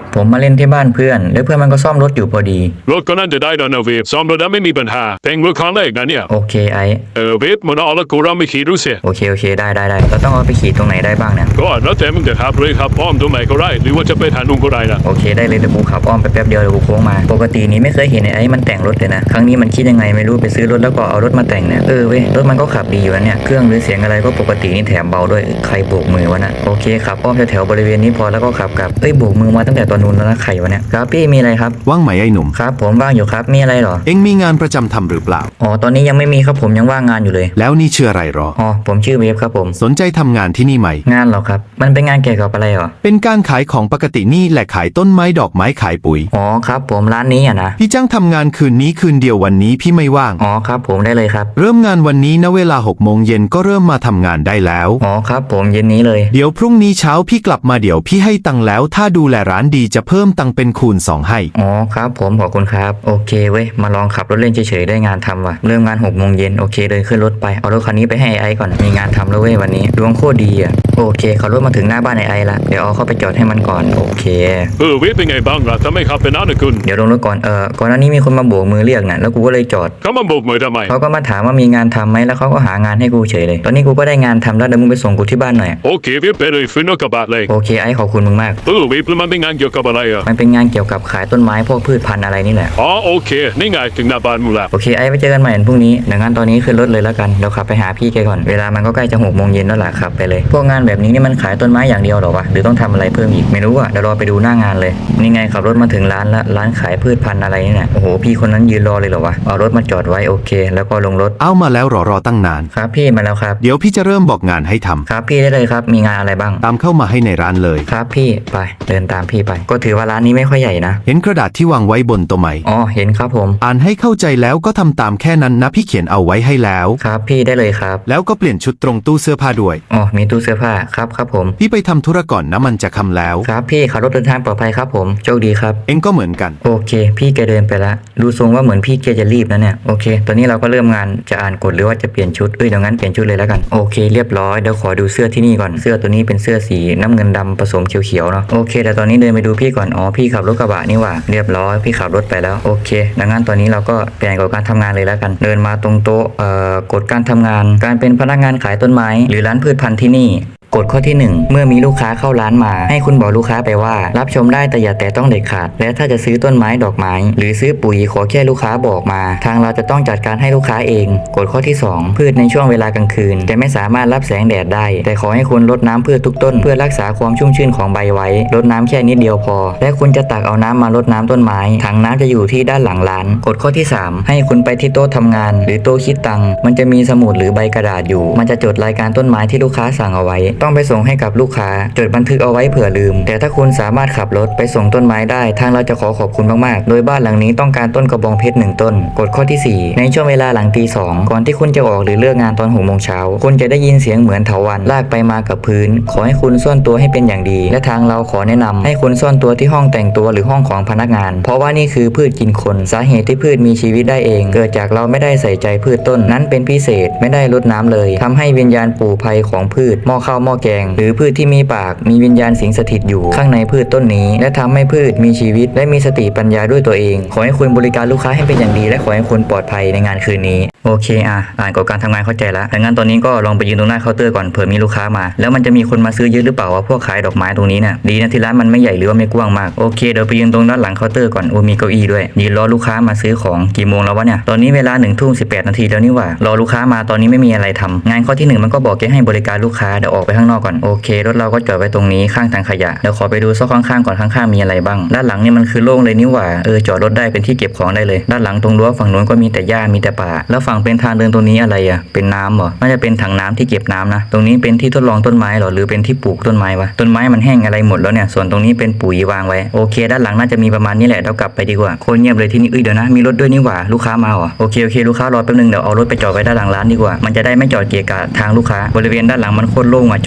ผมมาเล่นที่บ้านเพื่อนแล้วเพื่อนมันก็ซ่อมรถอยู่พอดีรถก็น่าจะได้แล้วนะเวฟซ่อมรถได้ไม่มีปัญหาเพลงรถครั้งแรกนะเนี่ยโอเคไอเวฟมันเอาละกูเราไม่ขี่ดูสิโอเคได้เราต้องเอาไปขี่ตรงไหนได้บ้างเนี่ยก็แล้วแต่มึงจะขับเลยครับอ้อมตรงไหนก็ได้หรือว่าจะไปทางนู้นก็ได้นะโอเคได้เลยเดี๋ยวกูขับอ้อมไปแป๊บเดียวเดี๋ยวกูโค้งมาปกตินี้ไม่เคยเห็นไอ้มันแต่งรถเลยนะครั้งนี้มันคิดยังไงไม่รู้ไปซื้อรถแล้วก็เอารถมาแต่งเนี่ยเว้ยรถมันก็ขับดีอยู่นะเนี่ยเครื่องหรือเสียงอะไรก็ปกตินี่แถมเบาด้วยใครโบกมือวะนะโอเคขับอ้อมแถวบริเวณนี้พอแล้วก็ขับกลับโบกมือมาตั้งแต่ตอนนู้นแล้วนะใครวะเนี่ยครับพี่มีอะไรครับว่างไหมไอ้หนุ่มครับผมว่างอยู่ครับมีอะไรหรอเอ็งมีงานประจำทำหรือเปล่าอ๋อตอนนี้ยังไม่มีครับผมยังว่างงานอยู่เลยแล้วนี่ชื่ออะไรหรออ๋อผมชื่อเวฟครับผมสนใจทำงานที่นี่ไหมงานหรอครับมันเป็นงานเกี่ยวกับอะไรหรอเป็นการขายของปกตินี่แหละขายต้นไม้ดอกไม้ขายปุ๋ยอ๋อครับผมร้านนี้อ่ะนะพี่จ้างทำงานคืนนี้คืนเดียววันนี้พี่ไม่ว่างอ๋อครับผมได้เลยครับเริ่มงานวันนี้นะเวลา6 โมงเย็นก็เริ่มมาทำงานได้แล้วอ๋อครับผมเย็นนี้เลยเดี๋ยวพรุ่งนี้เช้าพี่กลับมาเดี๋ยวพี่ให้ตังค์แล้วถ้าดูแลร้านดีจะเพิ่มตังค์เป็นคูณ2ให้อ๋อครับผมขอบคุณครับโอเคเว้ยมาลองขับรถเล่นเฉยๆได้งานทำว่ะเริ่มงาน6 โมงเย็นโอเคเดินขึ้นรถไปเอารถคันนี้ไปให้ไอ้ก่อนมีงานทำแล้วเว้ยวันนี้ดวงโคตรดีอ่ะโอเคขับรถมาถึงหน้าบ้านไอ้ละเดี๋ยวเอาเข้าไปจอดให้มันก่อนโอเคเวฟเป็นไงบ้างล่ะทำไมขับเป็นน้านะคุณเดี๋ยวลงรถก่อนก่อนหน้านี้มีคนมาโบกมือเรียกนะแล้วกูก็เลยจอดเขามาโบกมือทำไมเขาก็มาถามว่ามีงานทำไหมแล้วเขาก็หางานให้กูเฉยเลยตอนนี้กูก็ได้งานทำแล้วเดี๋ยวมึงไปส่งกูที่บ้านหน่อยโอเคเวฟไปเลยฟื้นรถกระบะเลยโอเคไอ้ขอบคุณมึงมากเวฟมันเป็นงานเกี่ยวกับอะไรอ่ะมันเป็นงานเกี่ยวกับขายต้นไม้พวกพืชพันธุ์อะไรนี่แหละอ๋อโอเคนี่ไงถึงหน้าบ้านมึงแล้วโอเคไอ้ไปเจอกันใหม่พรุ่งนี้เดี๋ยวงานตอนนี้ขึ้นรถเลยแล้วกันเดี๋ยวขับไปหาพี่แกก่อนเวลามันก็ใกล้จะ6 โมงเย็นแล้วล่ะขับไปเลยพวกงานแบบนี้นี่มันขายต้นไม้อย่างเดียวหรอวะหรือต้องทำอะไรเพิ่มอีกไม่รู้อ่ะเดี๋ยวรอไปดูหน้างานเลยนี่ไงขับรถมาถึงร้านละร้านขายพืชพันธุ์อะไรนี่แหละโอ้โหพี่คนนั้นยืนรอเลยเหรอวะเอารถมาจอดไว้โอเคแล้วก็ลงรถเอามาแล้วรอตั้งนานครับพี่มาแล้วครับเดี๋ยวพี่จะเริ่มบอกงานให้ทำครับพี่ได้เลยครับมีงานอะไรบ้างตามเข้ามาให้ในร้านเลยครับพี่ไปเดินตามพี่ไปก็ถือว่าร้านนี้ไม่ค่อยใหญ่นะเห็นกระดาษที่วางไว้บนโต๊ะไหมอ๋อเห็นครับผมอ่านให้เข้าใจแล้วก็ทำตามแค่นั้นนะพี่เขียนเอาไว้ให้แล้วครับพี่ได้เลยครับแล้วก็เปลี่ยนชุดตรงตู้เสื้อผ้าด้วยอ๋อมีตู้เสื้อผ้าครับผมพี่ไปทำธุระก่อนนะมันจะค่ำแล้วครับพี่ขับรถเดินทางปลอดภัยครับผมโชคดีครับเอ็งก็เหมือนกันโอเคพี่แกเดินไปละดูทรงว่าเหมือนพี่แกจะรีบนะเนี่ยโอเคตอนนี้เราก็เริ่มงานจะอ่านกฎหรือว่าจะเปลี่ยนชุดเดี๋ยวงั้นเปลี่ยนชุดเลยแล้วกันโอเคเรียบร้อยเดี๋ยวขอดูเสื้อที่นี่ก่อนเสื้อตัวนี้เป็นเสื้อสีน้ำเงินดำผสมเขียวๆเนาะโอเคแต่ตอนนี้เดินไปดูพี่ก่อนอ๋อพี่ขับรถกระบะนี่หว่าเรียบร้อยพี่ขับรถไปแล้วโอเคดังนั้นตอนนี้เราก็เปลี่ยนกฎการทำงานเลยแล้วกันเดินมาตรงโต๊ะกฎการทำงานการเป็นพนักงานขายต้นไม้หรือร้านพืชพันธุ์ที่นี่กฎข้อที่1เมื่อมีลูกค้าเข้าร้านมาให้คุณบอกลูกค้าไปว่ารับชมได้แต่อย่าแตะต้องเด็ดขาดและถ้าจะซื้อต้นไม้ดอกไม้หรือซื้อปุ๋ยขอแค่ลูกค้าบอกมาทางเราจะต้องจัดการให้ลูกค้าเองกฎข้อที่2พืชในช่วงเวลากลางคืนจะไม่สามารถรับแสงแดดได้แต่ขอให้คุณรดน้ำพืชทุกต้นเพื่อรักษาความชุ่มชื้นของใบไว้รดน้ำแค่นิดเดียวพอและคุณจะตักเอาน้ำมารดน้ำต้นไม้ถังน้ำจะอยู่ที่ด้านหลังร้านกฎข้อที่3ให้คุณไปที่โต๊ะทำงานหรือโต๊ะคิดตังค์มันจะมีสมุดหรือใบกระดาษอยู่มันจะจดรายการต้นไม้ที่ลูกค้าสั่งเอาไว้ต้องไปส่งให้กับลูกค้าจดบันทึกเอาไว้เผื่อลืมแต่ถ้าคุณสามารถขับรถไปส่งต้นไม้ได้ทางเราจะขอขอบคุณมากๆโดยบ้านหลังนี้ต้องการต้นกระบองเพชร1 ต้นกฎข้อที่4ในช่วงเวลาหลังตี 2ก่อนที่คุณจะออกหรือเลิกงานตอน6 โมงเช้าคุณจะได้ยินเสียงเหมือนเถาวัลย์ลากไปมากับพื้นขอให้คุณซ่อนตัวให้เป็นอย่างดีและทางเราขอแนะนำให้คุณซ่อนตัวที่ห้องแต่งตัวหรือห้องของพนักงานเพราะว่านี่คือพืชกินคนสาเหตุที่พืชมีชีวิตได้เองเกิดจากเราไม่ได้ใส่ใจพืชต้นนั้นเป็นพิเศษไม่ได้รดน้ำเลยทำให้วิญญาณปู่ภัยของพืชหม้อข้าวหม้อแกงหรือพืชที่มีปากมีวิญญาณสิงสถิตอยู่ข้างในพืชต้นนี้และทำให้พืชมีชีวิตและมีสติปัญญาด้วยตัวเองขอให้คุณบริการลูกค้าให้เป็นอย่างดีและขอให้คุณปลอดภัยในงานคืนนี้โอเคอ่านกฎการทำงานเข้าใจแล้วดังนั้นตอนนี้ก็ลองไปยืนตรงหน้าเคาน์เตอร์ก่อนเผื่อมีลูกค้ามาแล้วมันจะมีคนมาซื้อเยอะหรือเปล่าว่าพวกขายดอกไม้ตรงนี้เนี่ยดีนะที่ร้านมันไม่ใหญ่หรือว่าไม่กว้างมากโอเคเดี๋ยวไปยืนตรงด้านหลังเคาน์เตอร์ก่อนมีเก้าอี้ด้วยยืนรอลูกค้ามาซื้อของกี่โมงแล้ววะเนี่ยตอนนี้เวลา1:18 นาทีแล้วนี่หว่ารอลูกค้ามาตอนนี้ไม่มีอะไรทำงานข้อที่1มันก็บอกแกให้บริการลูกค้าเดี๋ยวออกไปข้างนอกก่อนโอเครถเราก็จอดไว้ตรงนี้ข้างถังขยะเดี๋ยวขอไปดูซอกข้างๆก่อนข้างๆมีอะไรบ้างด้านหลังนี่มันคือโล่งเลยนี่หว่าจอดรถได้เป็นที่เก็บของได้เลยด้านหลังตรงรั้วฝั่งนู้นก็มีแต่หญ้ามีแต่ป่าแล้วฝั่งเป็นทางเดินตรงนี้อะไรเป็นน้ำเหรอน่าจะเป็นถังน้ำที่เก็บน้ำนะตรงนี้เป็นที่ทดลองต้นไม้เหรอหรือเป็นที่ปลูกต้นไม้วะต้นไม้มันแห้งอะไรหมดแล้วเนี่ยส่วนตรงนี้เป็นปุ๋ยวางไว้โอเคด้านหลังน่าจะมีประมาณนี้แหละเรากลับไปดีกว่าโคตรเงียบเลยที่นี่เดี๋ยวนะมีรถด้วยนี่หว่าลูกค้ามาเหรอโอเคลูกค้ารอแป๊บนึงเดี๋ยวเอารถไปจอดไว้ด้านหลังร้านดีกว่ามันจะได้ไม่จอดเกะกะทางลูกค้าบริเวณด้านหลังมันโคตรโล่งจ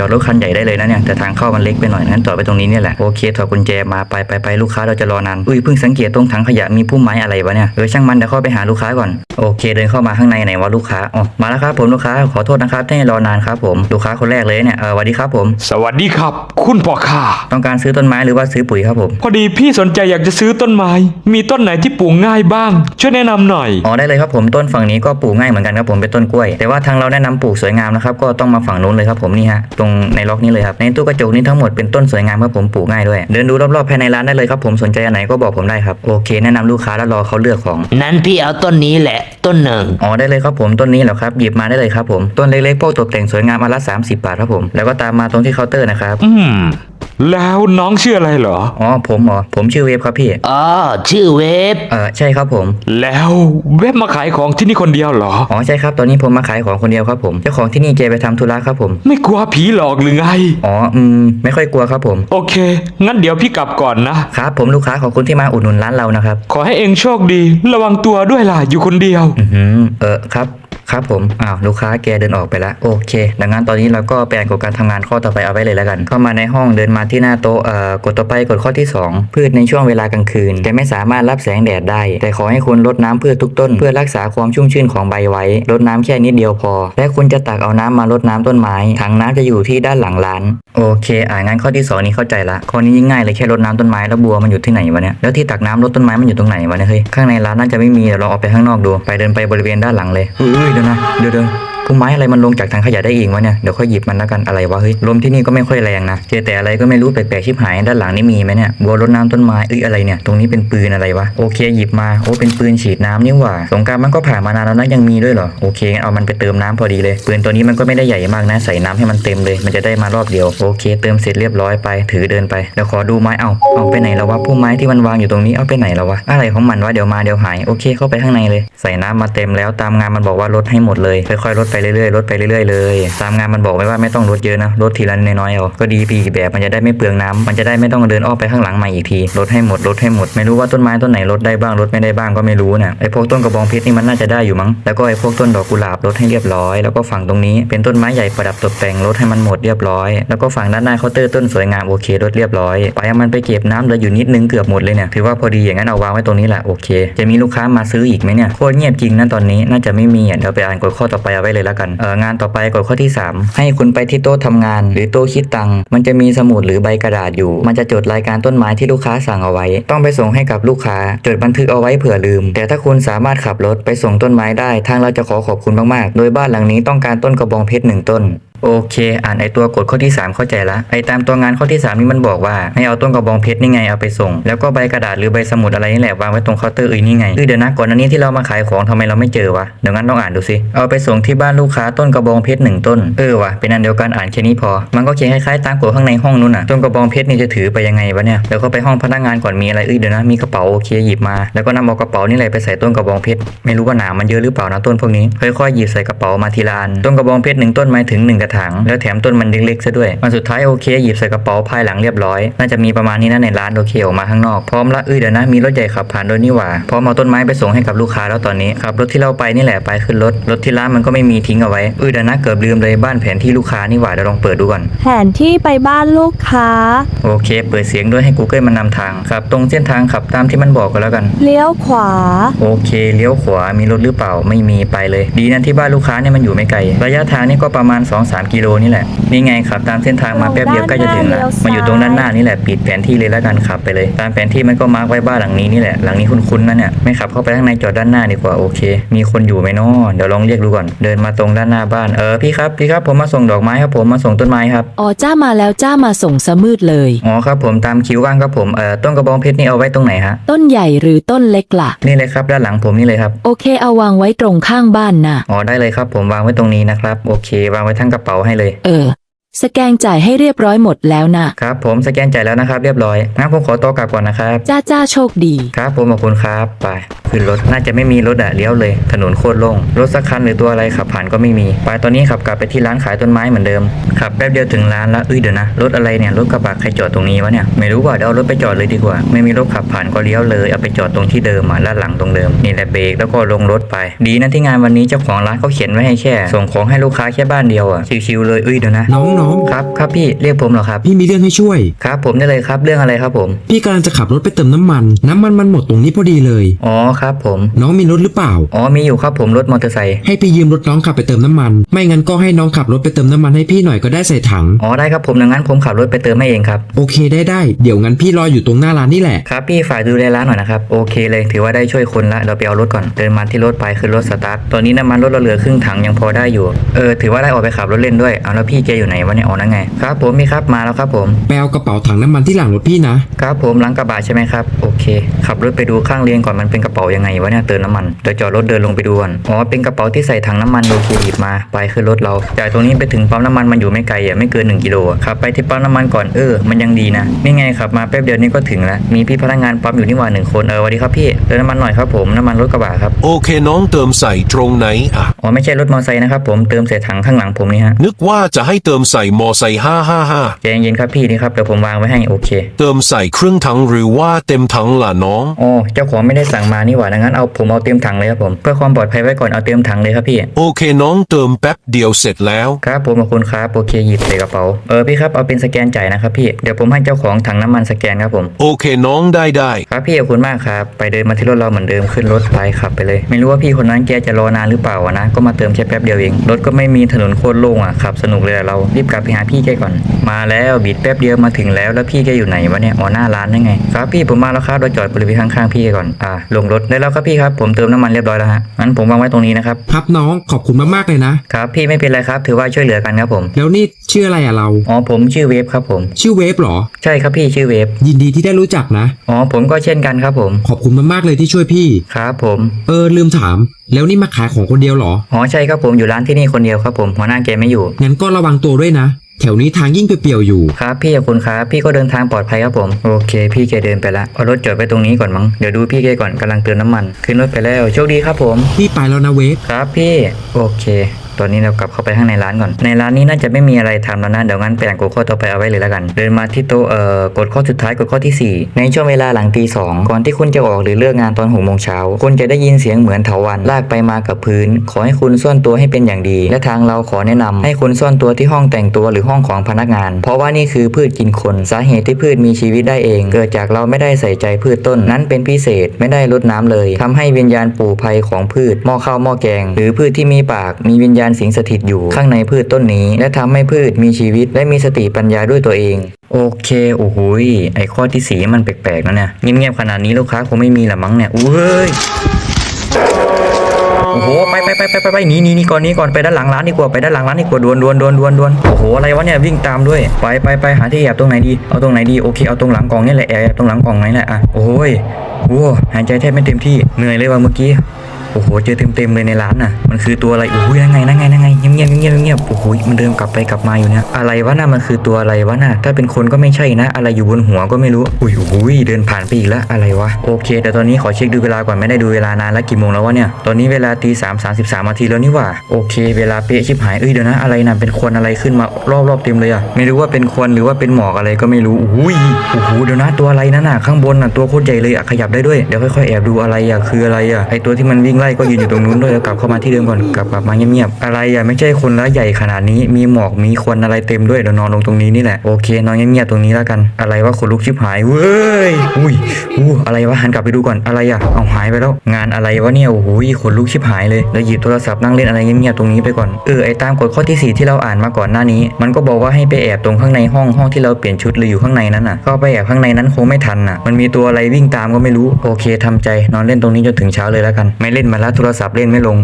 อดรถคันใหญ่ได้เลยนะเนี่ยแต่ทางเข้ามันเล็กไปหน่อยงั้นจอดไปตรงนี้เนี่ยแหละโอเคถอดกุญแจมาไปลูกค้าเราจะรอนานเพิ่งสังเกตตรงถังขยะมีพุ่มไม้อะไรวะเนี่ยช่างมันเดี๋ยวเข้าไปหาลูกค้าก่อนโอเคเดินเข้ามาข้างในไหนวะลูกค้าอ๋อมาแล้วครับผมลูกค้าขอโทษนะครับที่ให้รอนานครับผมลูกค้าคนแรกเลยเนี่ยสวัสดีครับผมสวัสดีครับ คุณพ่อค้าต้องการซื้อต้นไม้หรือว่าซื้อปุ๋ยครับผมพอดีพี่สนใจอยากจะซื้อต้นไม้ มีต้นไหนที่ปลูกง่ายบ้าง ช่วยแนะนำหน่อยอ๋อได้เลยครับผมต้นฝั่งนี้ก็ปลูกง่ายเหมือนกันครับผมเป็นต้นกล้วยแต่ว่าทางเราแนะนำปลูกสวยงามนะครับก็ต้องมาฝั่งนู้นเลยครับผมนี่ฮะตรงในล็อกนี้เลยครับในตู้กระจกนี้ทั้งหมดเป็นต้นสวยงามครับผมปลูกง่ายด้วยเดินดูรอบๆภายในร้านได้เลยครับผมสนใจอันไหนก็บอกผมได้ครับโอเคแนะนำลูกค้าแล้วรอเขาเลือกของนั้นพี่เอาต้นนี้แหละต้นหนึ่งอ๋อได้เลยครับผมต้นนี้เหรอครับหยิบมาได้เลยครับผมต้นเล็กๆพวกตกแต่งสวยงามอันละ30 บาทครับผมแล้วก็ตามมาตรงที่เคาน์เตอร์นะครับแล้วน้องชื่ออะไรเหรออ๋อผมชื่อเวฟครับพี่อ๋อชื่อเวฟใช่ครับผมแล้วเว็บมาขายของที่นี่คนเดียวเหรออ๋อใช่ครับตอนนี้ผมมาขายของคนเดียวครับผมเจ้าของที่นี่แกไปทำธุระครับผมไม่กลัวผีหลอกหรือไงอ๋อไม่ค่อยกลัวครับผมโอเค งั้นเดี๋ยวพี่กลับก่อนนะครับผมลูกค้าขอบคุณที่มาอุดหนุนร้านเรานะครับขอให้เองโชคดี ระวังตัวด้วยล่ะ อยู่คนเดียวครับผมลูกค้าแกเดินออกไปแล้วโอเคดังนั้นตอนนี้เราก็ไปอ่านกฎการทำงานข้อต่อไปเอาไว้เลยแล้วกันเข้ามาในห้องเดินมาที่หน้าโต๊ะกดต่อไปกดข้อที่ 2 พืชในช่วงเวลากลางคืนจะไม่สามารถรับแสงแดดได้แต่ขอให้คุณรดน้ำพืชทุกต้นเพื่อรักษาความชุ่มชื่นของใบไว้รดน้ำแค่นิดเดียวพอและคุณจะตักเอาน้ำมารดน้ำต้นไม้ถังน้ำจะอยู่ที่ด้านหลังร้านโอเคงั้นข้อที่ 2นี้เข้าใจละข้อนี้ยิ่งง่ายเลยแค่รดน้ำต้นไม้แล้วบัวมันอยู่ที่ไหนวะเนี่ยแล้วที่ตักน้ำรดต้นไม้มันอยู่ตรงไหนวะเนี่ยเฮ้ยข้างในร้านน่าจะไม่มีเดี๋ยวเราออกไปข้างนอกดูไปเดินไปบริเวณด้านหลังเลยเดี๋ยวนะเดี๋ยวพุ่มไม้อะไรมันลงจากถังขยะได้เองวะเนี่ยเดี๋ยวค่อยหยิบมันแล้วกันอะไรวะเฮ้ยลมที่นี่ก็ไม่ค่อยแรงนะเจอแต่อะไรก็ไม่รู้แปลกๆชิบหายด้านหลังนี่มีไหมเนี่ยบัวรดน้ำต้นไม้อะไรเนี่ยตรงนี้เป็นปืนอะไรวะโอเคหยิบมาโอ้เป็นปืนฉีดน้ำนี่หว่าสงกรานต์มันก็ผ่านมานานแล้วนะยังมีด้วยเหรอโอเคงั้นเอามันไปเติมน้ำพอดีเลยปืนตัวนี้มันก็ไม่ได้ใหญ่มากนะใส่น้ำให้มันเต็มเลยมันจะได้มารอบเดียวโอเคเติมเสร็จเรียบร้อยไปถือเดินไปแล้วขอดูไม้เอาไปไหนแล้ววะพุ่มไม้ที่มันวางอยู่ตรงนี้เอาไปไหนแล้ววะอะไรของมันวะเดี๋ยวมาเดี๋ยวหายโอเคเข้าไปข้างในเลยใส่น้ำมาเต็มแล้วตามงานมันบอกว่าลดให้หมดเลยค่อยๆลดไปเรื่อยๆลดไปเรื่อยๆเลยตามงานมันบอกไว้ว่าไม่ต้องลดเยอะนะลดทีละน้อยๆเอาก็ดีปีแบบมันจะได้ไม่เปลืองน้ำมันจะได้ไม่ต้องเดินอ้อมไปข้างหลังใหม่อีกทีลดให้หมดไม่รู้ว่าต้นไม้ต้นไหนลดได้บ้างลดไม่ได้บ้างก็ไม่รู้นะไอ้พวกต้นกระบองเพชรนี่มันน่าจะได้อยู่มั้งแล้วก็ไอ้พวกต้นดอกกุหลาบลดให้เรียบร้อยแล้วก็ฝั่งตรงนี้เป็นต้นไม้ใหญ่ประดับตกแต่งลดให้มันหมดเรียบร้อยแล้วก็ฝั่งด้านหน้าเคาน์เตอร์ต้นสวยงามโอเคลดเรียบร้อยไปเอามันไปเก็บน้ำเหลืออยู่นิดนึงเกือบหมดเลยเนี่ยถือว่าพอดีอย่างนั้นเอาวางไว้ตรงนี้แหละโอเคจะมีลูกค้ามาซื้ออีกไหมเนี่ยโคตรเงียบจริงนะตอนนี้น่าจะไม่มีเดี๋ยวไปอ่านกฎข้อต่อไปเอาไว้เลยแล้วกันงานต่อไปกฎข้อที่ 3ให้คุณไปที่โต๊ะทำงานหรือโต๊ะคิดตังค์มันจะมีสมุดหรือใบกระดาษอยู่มันจะจดรายการต้นไม้ที่ลูกค้าสั่งเอาไว้ต้องไปส่งให้กับลูกค้าจดบันทึกเอาไว้เผื่อลืมแต่ถ้าคุณสามารถขับรถไปส่งต้นไม้ได้ทางเราจะขอบคุณมากๆโดยบ้านหลังนี้ต้องการต้นกระบองเพชร1 ต้นโอเคอ่านไอตัวกฎข้อที่ 3เข้าใจละไอตามตัวงานข้อที่ 3นี่มันบอกว่าให้เอาต้นกระบองเพชรนี่ไงเอาไปส่งแล้วก็ใบกระดาษหรือใบสมุดอะไรนี่แหละวางไว้ตรงเคาน์เตอร์นี่ไงเดี๋ยวนะก่อนหน้านี้ที่เรามาขายของทำไมเราไม่เจอวะเดี๋ยวงั้นต้องอ่านดูสิเอาไปส่งที่บ้านลูกค้าต้นกระบองเพชร1 ต้นวะเป็นอันเดียวกันอ่านแค่นี้พอมันก็เขียนคล้ายๆตามกฎข้างในห้องนู้นน่ะต้นกระบองเพชรนี่จะถือไปยังไงวะเนี่ยแล้วก็ไปห้องพนักงานก่อนมีอะไรเดี๋ยวนะมีกระเป๋าโอเคหยิบมาแล้วก็นำเอากระเป๋านี่แหละไปใส่ต้นกระบองเพชรไม่รู้ว่าหนามมันเยอะหรือเปล่านะต้นพวกนี้ค่อยๆหยิบใส่กระเป๋ามาทีละอันต้นกระบองเพชร1 ต้นหมายถึง1 กระถางแล้วแถมต้นมันเล็กๆซะด้วยวันสุดท้ายโอเคหยิบใส่กระเป๋าภายหลังเรียบร้อยน่าจะมีประมาณนี้นะในร้านโอเคออกมาข้างนอกพร้อมละเดี๋ยวนะมีรถใหญ่ขับผ่านโดยนี่หว่าพร้อมเอาต้นไม้ไปส่งให้กับลูกค้าแล้วตอนนี้ขับรถที่เราไปนี่แหละไปขึ้นรถที่ร้านมันก็ไม่มีทิ้งเอาไว้เดี๋ยวนะเกือบลืมเลยบ้านแผนที่ลูกค้านี่หว่าเดี๋ยวลองเปิดดูก่อนแผนที่ไปบ้านลูกค้าโอเคเปิดเสียงด้วยให้ Google มันนำทางขับตรงเส้นทางขับตามที่มันบอกก็แล้วกันเลี้ยวขวาโอเคเลี้ยวขวามีรถหรือเปล่าไม่มีไปเลยดีนะที่บ้านลูกค้าเนี่ยมันอยู่ไม่ไกลระยะทางนี่ก็ประมาณ 2-3 กิโลนี่แหละนี่ไงขับตามเส้นทางมาแป๊บเดียวใกล้จะถึงแล้วมาอยู่ตรงด้านหน้านี่แหละปิดแผนที่เลยแล้วกันขับไปเลยตามแผนที่มันก็มาร์กไว้บ้านหลังนี้นี่แหละหลังนี้คุ้นๆนะเนี่ยไม่ขับเข้าไปข้างในจอดด้านหน้าดีกว่าโอเคมีคนอยู่ไหมเนาะเดี๋ยวลองเรียกดูก่อนเดินมาตรงด้านหน้าบ้านพี่ครับผมมาส่งดอกไม้ครับผมมาส่งต้นไม้ครับอ๋อจ้ามาแล้วจ้ามาส่งสมืดเลยอ๋อครับผมตามคิวว่างครับผมต้นกระบองเพชรนี่เอาไว้ตรงไหนฮะต้นใหญ่หรือต้นเล็กล่ะนี่เลยครับด้านหลังผมนี่เลยครับโอเคเอาวางไว้ตรงข้างบ้านน่ะอ๋อได้เลยครับผมวางไว้ตรงนี้นะครับโอเควางไว้ทั้งกระเป๋าให้เลยสแกนจ่ายให้เรียบร้อยหมดแล้วน่ะครับผมสแกนจ่ายแล้วนะครับเรียบร้อยงั้นผมขอตัวกลับก่อนนะครับจ้าโชคดีครับผมขอบคุณครับไปขึ้นรถน่าจะไม่มีรถเลี้ยวเลยถนนโคตรโล่งรถสักคันหรือตัวอะไรขับผ่านก็ไม่มีไปตอนนี้ขับกลับไปที่ร้านขายต้นไม้เหมือนเดิมขับแป๊บเดียวถึงร้านแล้วเดี๋ยวนะรถอะไรเนี่ยรถกระบะใครจอดตรงนี้วะเนี่ยไม่รู้ว่าเดี๋ยวเอารถไปจอดเลยดีกว่าไม่มีรถขับผ่านก็เลี้ยวเลยเอาไปจอดตรงที่เดิมด้านหลังตรงเดิมนี่แหละเบรกแล้วก็ลงรถไปดีนะที่งานวันนี้เจ้าของร้านเขาเขียนไว้ให้แค่ส่งของให้ลูกค้าแค่บ้านเดียวชิวๆเลยเดี๋ยวนะน้น้องครับครับพี่เรียกผมเหรอครับพี่มีเรื่องให้ช่วยครับผมได้เลยครับเรื่องอะไรครับผมพี่กำลังจะขับรถไปเติมน้ำมันมันหมดตรงนี้พอดีเลยอ๋อครับผมน้องมีรถหรือเปล่าอ๋อมีอยู่ครับผมรถมอเตอร์ไซค์ให้พี่ยืมรถน้องขับไปเติมน้ำมัน ไม่งั้นก็ให้น้องขับรถไปเติมน้ำมันให้พี่หน่อยก็ได้ใส่ถังอ๋อได้ครับผมดังนั้นผมขับรถไปเติมให้เองครับโอเคได้เดี๋ยวงั้นพี่รออยู่ตรงหน้าร้านนี่แหละครับพี่ฝากดูแลร้านหน่อยนะครับโอเคเลยถือว่าได้ช่วยคนละเราไปเอารถก่อนเดินมาที่รถไปขึ้นรถสตาร์ทตอนนี้น้ำมันรถเราเหลือครึ่งถังยังพอได้อยู่ถือว่าได้ออกไปขับรถเล่นด้วยเอาแล้วพี่แกอยู่ไหนวะเนี่ยอ๋อนั่นไงครับผมมีครับมาแล้วครับผมไปเอากระเป๋าถังน้ำมันที่หลังรถพี่นะครับผมหลังกระบะใช่ไหมครับโอเคขับรถไปดูข้างเรียงก่อนมันเป็นกระเป๋ายังไงวะเนี่ยเติมน้ำมันเดี๋ยวจอดรถเดินลงไปดูก่อนอ๋อเป็นกระเป๋าที่ใส่ถังน้ำมันโอเคหยิบมาไปขึ้นรถเราจากตรงนี้ไปถึงปั๊มน้ำมันมันอยู่ไม่ไกลไม่เกิน1 กิโลขับไปที่ปั๊มน้ำมันก่อนมันยังดีนะนี่ไงขับมาแป๊บเดียวนี้ก็ถึงแล้วมีพี่พนักงานปั๊มอยู่นี่หว่า1 คนสวัสดีครับพี่เติมน้ำมันหน่อยครับผมน้ำมันรถกระบะครับโอเคน้องเติมใส่ตรงไหนอ่ะอ๋อไม่ใช่รถมอเตอร์ไซค์นะครับผมเติมใส่ถังข้างหลังผมนี่ฮะนึกว่าจะให้เติมใส่มอไซค์555 ใจเย็นๆครับพี่นี่ครับเดี๋ยวผมวางไว้ให้โอเคเติมใส่ครึ่งถังหรือว่าเต็มถังล่ะน้องอ๋อเจ้าของไม่ได้สั่งมานี่หว่าดังนั้นผมเอาเต็มถังเลยครับผมเพื่อความปลอดภัยไว้ก่อนเอาเต็มถังเลยครับพี่โอเคน้องเติมแป๊บเดียวเสร็จแล้วครับผมขอบคุณครับโอเคหยิบใส่กระเป๋าพี่ครับเอาเป็นสแกนจ่ายนะครับพี่เดี๋ยวผมให้เจ้าของถังน้ำมันสแกนครับผมโอเคน้องได้ครับพี่ขอบคุณมากครับไปเดินมาที่รถเราเหมือนเดิมขึ้นรถไปขับไปเลยไม่รู้ว่าพี่คนนั้นแกจะรอนานหรือเปล่านะก็มาเติมแค่แป๊บเดียวเองรถก็ไม่มีถนนโคตรโล่งขับสนุกเลยเรารีบกลับไปหาพี่แกก่อนมาแล้วบิดแป๊บเดียวมาถึงแล้วพี่แกอยู่ไหนวะเนี่ยอ๋อหน้าร้านนั่นไงครับพี่ผมมาแล้วครับเราจอดบริเวณข้างๆพี่ก่อนลงรถได้แล้วครับพี่ครับผมเติมน้ำมันเรียบร้อยแล้วฮะงั้นผมวางไว้ตรงนี้นะครับครับน้องขอบคุณมากๆเลยนะครับพี่ไม่เป็นไรครับถือว่าช่วยเหลือกันครับผมแล้วนี่ชื่ออะไรเราอ๋อผมชื่อเวฟครับผมชื่อเวฟเหรอใช่ครับพี่ชื่อเวฟยินดีที่ได้รู้จักนะอ๋อผมก็เช่นกันครับผมขอบคุณมากๆเลยที่ช่วยพี่ครับผมลืมถามแล้วนี่มาขายของคนเดียวเหรออ๋อใช่ครับผมอยู่ร้านที่นี่คนเดียวครับผมหัวหน้าแกไม่อยู่งั้นก็ระวังตัวด้วยนะแถวนี้ทางยิ่งเปลี่ยวๆอยู่ครับพี่ขอบคุณครับพี่ก็เดินทางปลอดภัยครับผมโอเคพี่แกเดินไปละเอารถจอดไปตรงนี้ก่อนมั้งเดี๋ยวดูพี่แกก่อนกำลังเติมน้ำมันขึ้นรถไปแล้วโชคดีครับผมพี่ไปแล้วนะเวฟครับพี่โอเคตอนนี้เรากลับเข้าไปข้างในร้านก่อนในร้านนี้น่าจะไม่มีอะไรทำแล้วนะเดี๋ยวงั้นไปอ่านกฎข้อต่อไปเอาไว้เลยแล้วกันเดินมาที่โต๊ะกฎข้อสุดท้ายกฎข้อที่ 4ในช่วงเวลาหลังตี 2ก่อนที่คุณจะออกหรือเลิกงานตอน6 โมงเช้าคุณจะได้ยินเสียงเหมือนเถาวัลย์ลากไปมากับพื้นขอให้คุณซ่อนตัวให้เป็นอย่างดีและทางเราขอแนะนำให้คุณซ่อนตัวที่ห้องแต่งตัวหรือห้องของพนักงานเพราะว่านี่คือพืชกินคนสาเหตุที่พืชมีชีวิตได้เองเกิดจากเราไม่ได้ใส่ใจพืชต้นนั้นเป็นพิเศษไม่ได้รดน้ำเลยทำให้วิญญาณปู่ภัยของพืชหม้อข้าวหม้อแกงหรือพืชที่มีปากมีวิญญาณสิงสถิตอยู่ข้างในพืชต้นนี้และทำให้พืชมีชีวิตและมีสติปัญญาด้วยตัวเองโอเคโอ้โหไอข้อที่4มันแปลกๆนะเนี่ยเงียบๆขนาดนี้ลูกค้าคงไม่มีละมั้งเนี่ยอุ้ยโอ้โหไปหนีก่อนไปด้านหลังร้านดีกว่าไปด้านหลังร้านดีกว่าดวนโอ้โหอะไรวะเนี่ยวิ่งตามด้วยไปหาที่แอบตรงไหนดีเอาตรงไหนดีโอเคเอาตรงหลังกล่องนี่แหละแอบตรงหลังกล่องนี่แหละโอ้ยหายใจแทบไม่เต็มที่เหนื่อยเลยว่ะเมื่อกี้โอ้โหเจอเต็มเลยในร้านน่ะมันคือตัวอะไรโอ้ยนั่งไงเงียบโอ้โหมันเดินกลับไปกลับมาอยู่เนี่ยอะไรวะน่ะมันคือตัวอะไรวะน่ะถ้าเป็นคนก็ไม่ใช่นะอะไรอยู่บนหัวก็ไม่รู้อุ้ยเดินผ่านไปอีกแล้วอะไรวะโอเคแต่ตอนนี้ขอเช็คดูเวลาก่อนไม่ได้ดูเวลานานแล้วกี่โมงแล้ววะเนี่ยตอนนี้เวลาตี 3:33 นาทีแล้วนี่หว่าโอเคเวลาเป๊ะชิบหายเดี๋ยวนะอะไรน่ะเป็นควันอะไรขึ้นมารอบเต็มเลยอ่ะไม่รู้ว่าเป็นควันหรือว่าเป็นหมอกอะไรก็ไม่รู้โอ้โหเดี๋ยวนะตัวอะไรนั่นน่ะข้างบนน่ะตัวโคตรใหญ่เลยขยับได้ด้วยเดี๋ยวค่อยๆแอบดูอะไรคืออะไรไอตัวที่มันวิ่งไล่ก็ยืนอยู่ตรงนู้นด้วยแล้วกลับเข้ามาที่เดิมก่อนกลับมาเงียบๆอะไรไม่ใช่คนละใหญ่ขนาดนี้มีหมอกมีควันอะไรเต็มด้วยเดี๋ยวนอนลงตรงนี้นี่แหละโอเคนอนเงียบๆตรงนี้แล้วกันอะไรวะขนลุกชิบหายเว้ยอะไรวะหันกลับไปดูก่อนอะไรเอาหายไปแล้วงานอะไรวะเนี่ยโอ้โหขนลุกชิบหายเลยแล้วหยิบโทรศัพท์นั่งเล่นอะไรเงียบๆตรงนี้ไปก่อนไอตามกฎข้อที่ 4ที่เราอ่านมาก่อนหน้านี้มันก็บอกว่าให้ไปแอบตรงข้างในห้องที่เราเปลี่ยนชุดหรืออยู่ข้างในนั้นน่ะก็ไปแอบข้างในนั้นคงไม่ทันน่ะมันมีตัวอะไรวิ่งตามก็ไม่รู้โอเคทำใจนอนเล่นตรงนี้จนถึงเช้าเลยแล้วกันไม่เล่นมาแล้วโทรศัพท์เล่นไม่ลง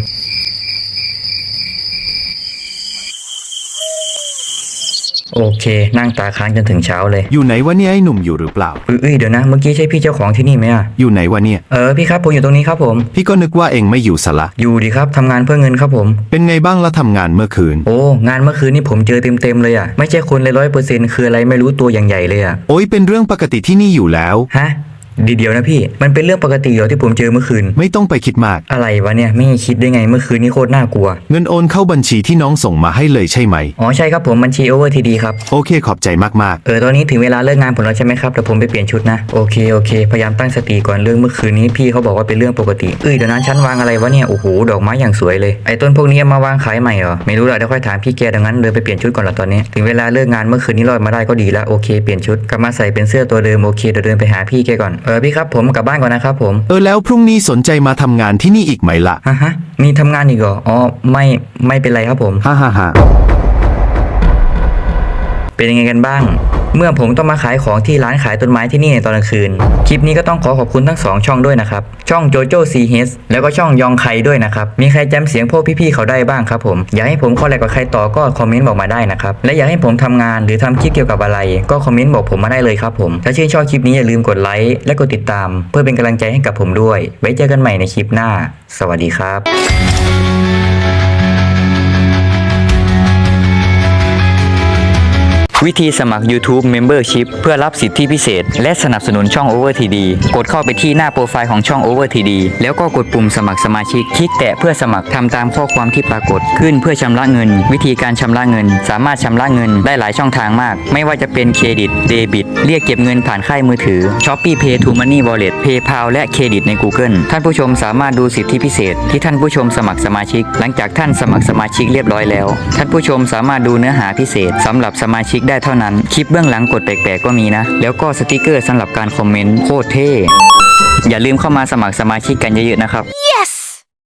โอเคนั่งตาค้างจนถึงเช้าเลยอยู่ไหนวะเนี่ยไอ้หนุ่มอยู่หรือเปล่าเดี๋ยวนะเมื่อกี้ใช่พี่เจ้าของที่นี่ไหมอยู่ไหนวะเนี่ยพี่ครับผมอยู่ตรงนี้ครับผมพี่ก็นึกว่าเองไม่อยู่ซะละอยู่ดีครับทำงานเพื่อเงินครับผมเป็นไงบ้างละทำงานเมื่อคืนโอ้งานเมื่อคืนนี่ผมเจอเต็มเลยไม่ใช่คนเลย100%คืออะไรไม่รู้ตัวอย่างใหญ่เลยโอ้ยเป็นเรื่องปกติที่นี่อยู่แล้วฮะเดี๋ยวนะพี่มันเป็นเรื่องปกติเหรอที่ผมเจอเมื่อคืนไม่ต้องไปคิดมากอะไรวะเนี่ยไม่คิดได้ไงเมื่อคืนนี้โคตรน่ากลัวเงินโอนเข้าบัญชีที่น้องส่งมาให้เลยใช่ไหมอ๋อใช่ครับผมบัญชี Over TD ครับโอเคขอบใจมากตอนนี้ถึงเวลาเลิกงานผมแล้วใช่ไหมครับเดี๋ยวผมไปเปลี่ยนชุดนะโอเคพยายามตั้งสติก่อนเรื่องเมื่อคืนนี้พี่เขาบอกว่าเป็นเรื่องปกติเดี๋ยวนั้นชั้นวางอะไรวะเนี่ยโอ้โหดอกไม้อย่างสวยเลยไอ้ต้นพวกนี้เอามาวางขายใหม่เหรอไม่รู้ละเดี๋ยวค่อยถามพี่แกดังนั้นเดินไปเปลี่ยนชุดก่อนละตอนนี้ถึงเวลาเลิกงานเมื่อคืนนี้รอดมาได้ก็ดีแล้วโอเคเปลี่ยนชุดกลับมาใส่เป็นเสื้อตัวเดิมโอเคเดี๋ยวเดินไปหาพี่แกก่อนพี่ครับผมกลับบ้านก่อนนะครับผมๆแล้วพรุ่งนี้สนใจมาทำงานที่นี่อีกไหมล่ะฮะมีทำงานอีกเหรออ๋อไม่เป็นไรครับผมฮ่าฮ่าฮ่าเป็นยังไงกันบ้าง เมื่อผมต้องมาขายของที่ร้านขายต้นไม้ที่นี่ในตอนกลางคืนคลิปนี้ก็ต้องขอบคุณทั้ง2ช่องด้วยนะครับช่องโจโจ้ซีเฮสแล้วก็ช่องยองไคด้วยนะครับมีใครจำเสียงพวกพี่ๆเขาได้บ้างครับผมอยากให้ผมคอลแลบกับใครต่อก็คอมเมนต์บอกมาได้นะครับและอยากให้ผมทำงานหรือทำคลิปเกี่ยวกับอะไรก็คอมเมนต์บอกผมมาได้เลยครับผมถ้าชื่นชอบคลิปนี้อย่าลืมกดไลค์และกดติดตามเพื่อเป็นกำลังใจให้กับผมด้วยไว้เจอกันใหม่ในคลิปหน้าสวัสดีครับวิธีสมัคร YouTube Membership เพื่อรับสิทธิพิเศษและสนับสนุนช่อง Over TD กดเข้าไปที่หน้าโปรไฟล์ของช่อง Over TD แล้วก็กดปุ่มสมัครสมาชิกคลิกแตะเพื่อสมัครทำตามข้อความที่ปรากฏขึ้นเพื่อชำระเงินวิธีการชำระเงินสามารถชำระเงินได้หลายช่องทางมากไม่ว่าจะเป็นเครดิตเดบิตเรียกเก็บเงินผ่านค่ายมือถือ Shopee Pay to Money Wallet PayPal และเครดิตใน Google ท่านผู้ชมสามารถดูสิทธิพิเศษที่ท่านผู้ชมสมัครสมาชิกหลังจากท่านสมัครสมาชิกเรียบร้อยแล้วท่านผู้ชมสามารถดูเนื้อหาพิเศษสำหรับสมาชิกได้เท่านั้นคลิปเบื้องหลังกดแปลกๆก็มีนะแล้วก็สติกเกอร์สำหรับการคอมเมนต์โคตรเท่อย่าลืมเข้ามาสมัครสมาชิกกันเยอะๆนะครับ yes